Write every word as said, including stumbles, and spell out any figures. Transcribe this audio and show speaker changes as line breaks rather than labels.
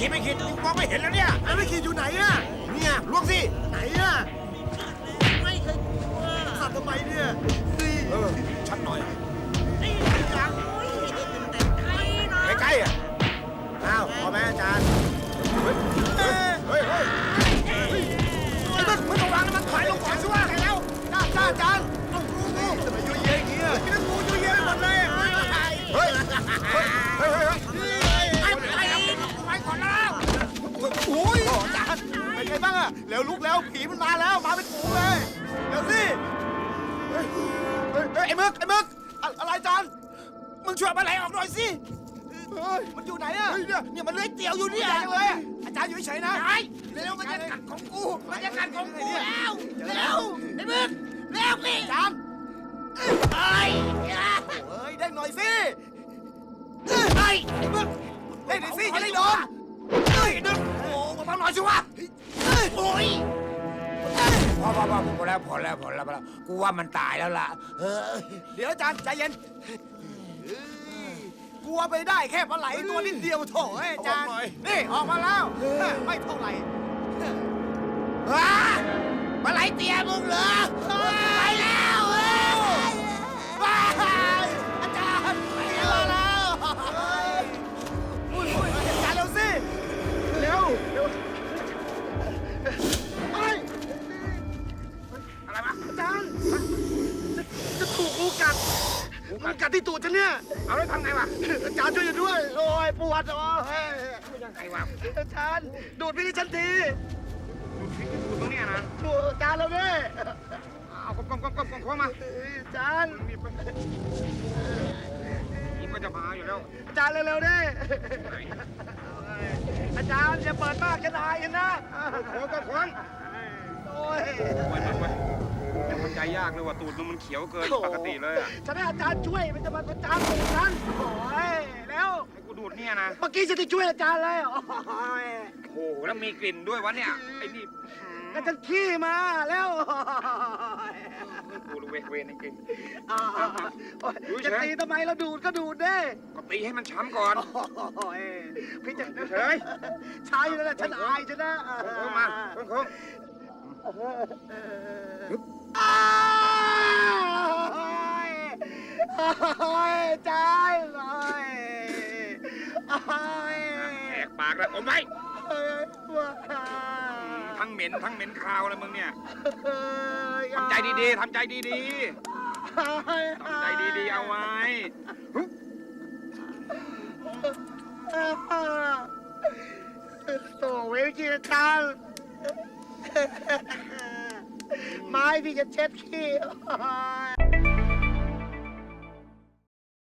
ขีดไม่ขีดมองไม่เห็นแล้วเนี่ย
ไอ้ไม่ขีดอยู่ไหนอะเนี่ยล้วงสิไหนอะไม่เคยสั่นทำไมเนี่ย
เออชัดหน่อย
ไอ้ยังใกล้ๆอ่ะอ้าวพอไหมอาจารย์เฮ้ยเฮ้ยเฮ้ยไอ้มึงมึงระวังนะมันถอยลงก่อนสิวะแล้วจ้าจ้าอาจารย์เอากูกูทำไมยุ่ยเย้ยอย่างเงี้ยไอ้นั่นกูยุ่ยเย้ยไปหมดเลยเฮ้ยเฮ้ยเฮ้ยเฮ้ยไอ้ไอ้ไปก่อนแล้วโอ้ยอาจารย์เป็นไงบ้างอะเร็วลุกแล้วผีมันมาแล้วมาเป็นฝูงเลยเดี๋ยวสิเฮ้ยเฮ้ยไอ้มึกไอ้มึกอะไรอาจารย์มึงช่วยมาไหลออกหน่อยสิมันอยู่ไหนอะเนี่ยเนี่ยมันเลื้อยเตี่ยวอยู่เนี่ยเลยอาจารย์อยู่เฉยนะเร็วมันจะกัดของกูมันจะกัดของกูแล้วเร็วไอ้มึกเร็วสิอาจารย์เอ้ยเฮ้ยได้หน่อยสิเฮ้ยมึกได้หน่อยสิจะได้โดนเฮ้ยนึกโอ้มาฟังหน่อยสิวะโอ้ย
พอพอพอพอแล้วพอแล้วพอแล้วพอแล้วกูว่ามันตายแล้วล่ะเออ
เดี๋ยวอาจารย์ใจเย็นกลัวไปได้แค่ปลาไหลตัวนิดเดียวโถเอ้ยอาจารย์นี่ออกมาแล้วไม่เท่าไหร่ปลาไหลเตี้ยมึงเหรอไปแล้วว้ายอาจารย์ไปแล้วอาจารย์เร็วสิเร็วเร็ว
อะไรวะ
อาจารย์จะถูกงูกัดงูกัดที่ตูดฉันเนี่ย
เอาแล้วทำไงวะ
อาจารย์ช่วยด้วยโอ้ยปวดโอ้ย
ยังไงวะ
อาจารย์ดูดพี่ที่ฉันที
ดูตรงเนี้ยนะ
ดูอาจารย์เราเนี่ย
เอาก้มก้มก้มก้มก้มเข้ามา
อาจารย์
มีมันนี่ก็จะมาอยู่แล้ว
อาจารย์เร็วๆดิอาจารย์อย่าเปิดมากจะตายนะ
โค้งก็โค้ง
โอ้ย
ไปไปไปยังมันใจยากเลยว่ะตูดมันเขียวเกินปกติเลยอ่ะ
ฉันให้อาจารย์ช่วยมันจะมาประจานตูดฉันโอ้ยแล้ว
ให้กูดูดเนี่ยนะ
เมื่อกี้ฉันจะช่วยอาจารย์เลยโอ้ย
โอ้โหแล้วมีกลิ่นด้วยวะเนี่ยไอ้นี่
ก็ฉันขี้มาแล้ว
กูรู้เวเวนจริง
อ่าจะตีทำไมเราดูดก็ดูดได้
ก็ตีให้มันช้ำก่อน
โอ้ยพี่จะ
เฉย
ใช่แล้วแหละฉันอายฉันนะ
โค้งมาโค้งโค้ง
อ้ายโอ้ยใจโอ้ยโอ้ย
แหกปากแล้วอมไว้
ว้า
ทั้งเหม็นทั้งเหม็นคาวเลยมึงเนี่ย
ทำ
ทำใจดีๆทำใจดีๆทำใจดีๆเอาไว้
โตเวลจีจังไม้พี่จะเช็ดขี้